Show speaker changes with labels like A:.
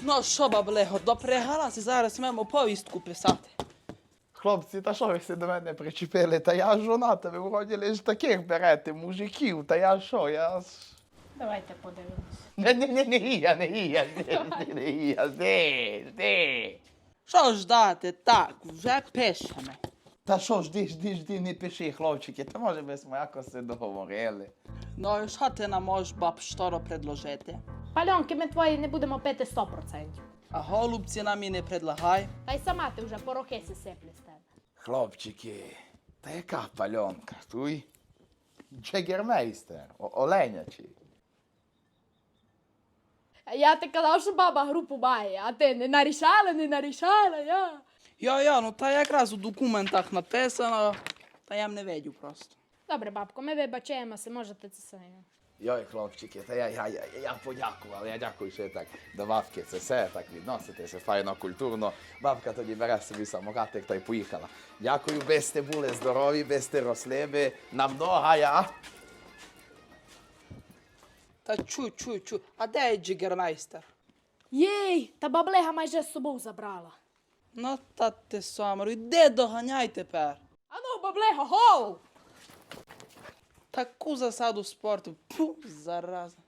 A: Ну що, баблего, допрягалася, зараз маємо повістку писати.
B: Хлопці, та що ви всі до мене причепили? Та я жонатий, ви вроді лиш таких берете, мужиків, та я що, я...
C: Давайте подивимось.
B: Не.
A: Що ждати? Так, вже пишемо.
B: Та що, жди, не пиши, хлопчики, та може би ми якось се договорили.
A: Ну і що ти нам можеш, баб, шторо предложити?
C: Пальонки ми твої не будемо пити 100%.
A: А голубці нам і не предлагай.
C: Та й сама ти вже порохи сиплі з тебе.
B: Хлопчики, та яка пальонка, туй? Джегермейстер, оленячий.
C: Я ти казав, що баба групу має, а ти не нарішала, я.
A: Я, ну та якраз у документах написано, та я не видів просто.
C: Добре, бабко, ми вибачаємося, можете це самі.
B: Йой, хлопчики, та я подякував, я дякую, що так до бабки це все так відноситеся, файно, культурно. Бабка тоді бере собі самокатик та й поїхала. Дякую, би сте були здорові, би сте росли би на много, я.
A: Та чуй, а де є джигермейстер?
C: Єй, та баблега майже з собою забрала.
A: Ну та ти самару, іди доганяй тепер.
C: Ану, баблега, гоу!
A: Таку засаду спорту, пу, зараза.